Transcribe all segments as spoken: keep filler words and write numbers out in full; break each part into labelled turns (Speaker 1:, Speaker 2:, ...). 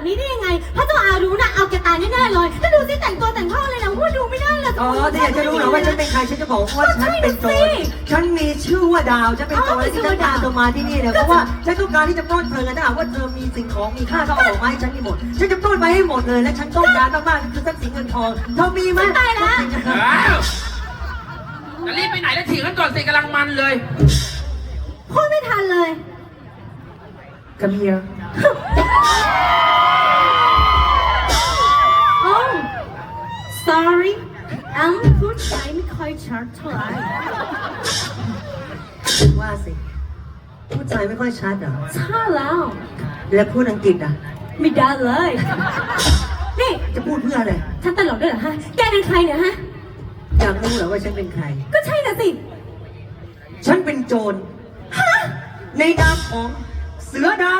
Speaker 1: แบบนี้ได้ยังไงพระเจ้าอารู้นะเอาแกตายแน่ๆเลยถ้าดูสิแต่งตัวแต่งท่าเลยนะว่าดูไม่ได้เลย
Speaker 2: อ๋อถ้าอยากจะรู้เหรอว่าฉันเป็นใครฉันจะบอกว่าฉันเป็นโจรฉันมีชื่อว่าดาวฉันเป็นโจรและที่ฉันตามเธอมาที่นี่เนี่ยเพราะว่าฉันต้องการที่จะปล้นเธอถ้าหากว่าเธอมีสิ่งของมีค่าก็เอาออกมาให้ฉันให้หมดฉันจะปล้นไปให้หมดเลยและฉันต้องการมากๆคือทรัพย์สินเงินทองเธอมีไหม
Speaker 1: ตายแล้ว
Speaker 3: อ้าวจะรีบไปไหนแล้วถีบกันก่อนสิกำลังมันเลย
Speaker 1: พูดไม่ทันเลย
Speaker 2: Come here
Speaker 1: โอ้ sorry อังพูดใจไม่ค่อยชัดเท่าไหร่
Speaker 2: ว่าสิพูดใจไม่ค่อยชัดเหรอ
Speaker 1: ใช่แล้ว
Speaker 2: แล้วพูดอังกฤษอ่ะ
Speaker 1: ไม่ได้เลย นี่
Speaker 2: จะพูดเพื่ออะไร
Speaker 1: ฉันตลกด้วยเหรอฮะแกเป็นใครเนี่ยฮะ
Speaker 2: อยากรู้เหรอว่าฉันเป็นใคร
Speaker 1: ก็ใช่น่ะสิ
Speaker 2: ฉันเป็นโจรในนามของเสือดาว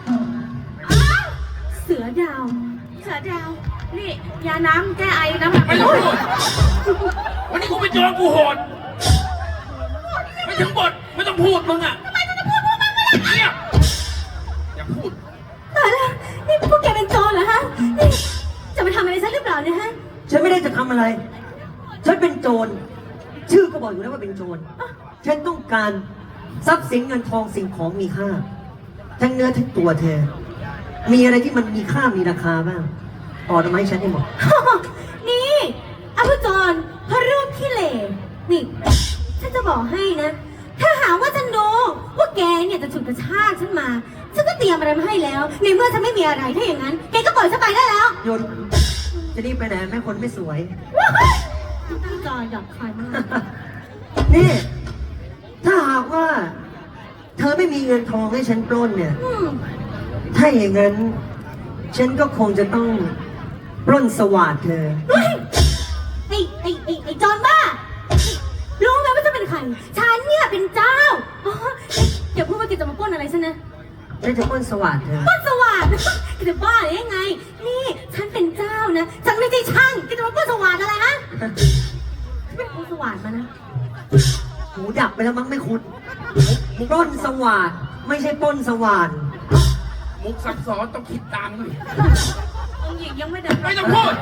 Speaker 1: เสือดาว
Speaker 4: เสือดาว นี่ยาน้ำแก้ไอน้ำหนัก
Speaker 3: ไม่ต้องพูดวันนี้กูเป็นโจรกูโหดไม่ถึงบทไม่ต้องพูดมึงอ่ะทำไมต้องพูดพูดมาไม่ได้เนี่ยอย่าพูด
Speaker 1: ตายแล้วนี่พวกแกเป็นโจรเหรอฮะนี่จะมาทำอะไรฉันหรือเปล่าเนี่ยฮะ
Speaker 2: ฉันไม่ได้จะทำอะไร ฉันเป็นโจรชื่อก็บอกอยู่แล้วว่าเป็นโจรฉันต้องการทรัพย์สินเงินทองสิ่งของมีค่าทั้งเนื้อทั้งตัวเธอ มีอะไรที่มันมีค่ามีราคาบ้างออกมาให้ฉันให้หมด
Speaker 1: นี่อาภุจรพระรูปขี้เหร่นี่ ฉันจะบอกให้นะ ถ้าหาว่าฉันรู้ว่าแกเนี่ยจะฉุดกระชากฉันมา ฉันก็เตรียมอะไรมาให้แล้ว ในเมื่อฉันไม่มีอะไรถ้าอย่างนั้น แกก็ปล่อยฉันไปได้แล้ว
Speaker 2: โยนจะรีบไปไหนแม่คนไม่สวย
Speaker 1: ตั้งใจหยาบคายมาก
Speaker 2: นี่ ถ้าหากว่า เธอไม่มีเงินทองให้ฉันปล้นเนี่ย
Speaker 1: อืม
Speaker 2: ถ้าอย่างนั้น ฉันก็คงจะต้องปล้นสวัสดเธอ
Speaker 1: เฮ้ยไอ้ไอ้ไอ้ไอ้จอนบ้า รู้ไหมว่าจะเป็นใคร ฉันเนี่ยเป็นเจ้าอ๋ออย่าพูดว่าแกจะมาปล้นอะไรฉันนะ
Speaker 2: ฉันจะปล้นสวัสดเธอ
Speaker 1: ปล้นสวัสดิ์แกจะบ้าหรือยังไง นี่ ฉันเป็นเจ้านะ ฉันไม่ใช่ช่างแกจะมาปล้นสวัสดิ์อะไรฮะเป็นปล้นสวัสดิ์มานะ
Speaker 2: หูดับไปแล้วมั้งไม่คุณปล้นสวัสดไม่ใช่ปล้นสว่าน
Speaker 3: มุกซับซ้อนต้องคิดตามด้วย
Speaker 4: องค์หญิงยังไม่เดิน
Speaker 3: ไม่ต้องพูด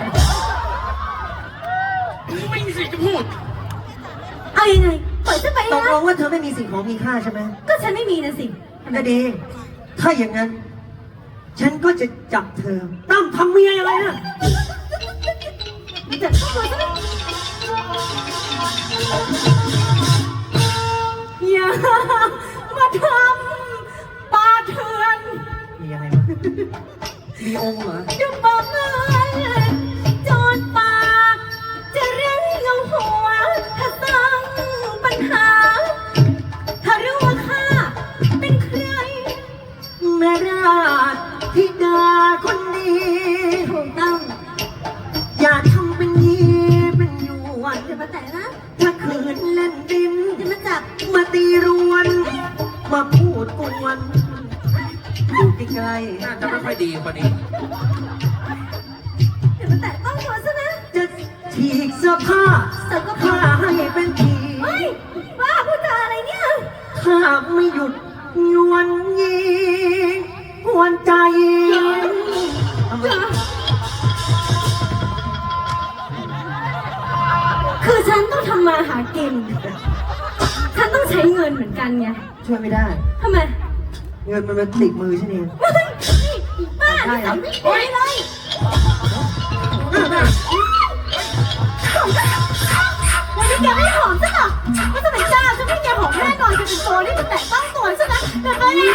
Speaker 3: มึงไม่มีสิทธิ์จะพูด
Speaker 1: เอายังไงปล่อยฉันไป
Speaker 2: ต
Speaker 1: นะ
Speaker 2: กลงว่าเธอไม่มีสิ่งของมีค่าใช่ไหม
Speaker 1: ก็ฉันไม่มีนะสิ
Speaker 2: ก็ดี ถ้าอย่างนั้น ฉันก็จะจับเธอตั้มทำเมียอะไรนะ
Speaker 1: แต่ตัวฉันอย่ามาทำปาเถื่อน
Speaker 2: มีอะไรวะมีองค์เหรอ
Speaker 1: จะบอกเงินโจรปากจะเรียกเงาหัวถ้าสร้างปัญหา ถ้ารู้ว่าข้าเป็นใคร
Speaker 2: แม่ราชธิดาคนดี
Speaker 1: ถูกต้อง
Speaker 2: อย่าทำเป็นยีเป็นหยวน
Speaker 1: อย่ามาแตะนะ
Speaker 2: ถ้าคืนเล่นดิน
Speaker 1: อย่ามาจับ
Speaker 2: มาตีรวน มาพูดกวนอยู่ใกล้
Speaker 3: น่าจะไม่ค่อยดีกว่านี้
Speaker 1: อย่ามาแตะต้องตัวซะนะ
Speaker 2: ๆจะฉีกเสื้อผ้า
Speaker 1: เสร็จก็
Speaker 2: ผ้า
Speaker 1: พา
Speaker 2: ให้เป็นผี
Speaker 1: เฮ้ยบ้าพูดจาอะไรเนี่ย
Speaker 2: ถ้าไม่หยุดยวนยีกวนใจทำไม
Speaker 1: คือฉันต้องทำมาหากิน ฉันต้องใช้เงินเหมือนกันไง
Speaker 2: ช่วยไม่ได้
Speaker 1: ทำไม
Speaker 2: เงินมันมาติดมือฉันเอง
Speaker 1: เฮ้ยนี่บ้านี่ใส่ไม่ดีเลยวันนี้แกไม่หอมซะหรอกก็จะเป็นเจ้าฉันไม่แกหอมแน่นอนจะเป็นตัวนี่มันแตะต้องตัวซะนะแต่ไปเนี่ย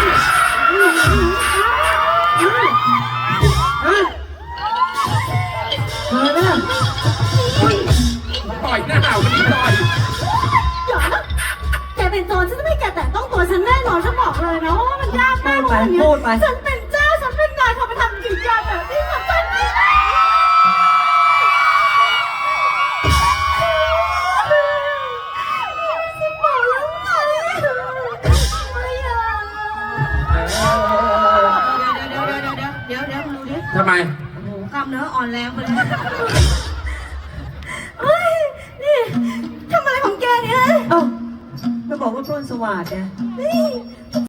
Speaker 2: ฮะเธอเนี่ย
Speaker 3: ต่อยหน้าวันนี้ต่อย
Speaker 1: เดี๋ยวนะแกเป็นโจรฉันจะไม่แกแตะต้องตัวฉันแน่นอนฉันบอกเลยนะว่ามันยากมากเลยเนี่ยฉันเป็นเจ้าฉันเป็นนายเขาไปทำกิจการแบบนี้กับฉันไม่ได้ฉันบอกแล้วไงไม่อยาก
Speaker 4: เดี๋ยวเดี๋ยวเดี๋ยวเดี๋ยวเดี๋ยวดูดิ
Speaker 3: ทำไม
Speaker 4: โอ้โหกล้ามเนื้ออ่อนแรงไปเลย
Speaker 1: เฮ้ยนี่ทำอะไรของแกเนี่ย
Speaker 2: เอ้าก็บอกว่าปล้นสวัสดไง
Speaker 1: นี่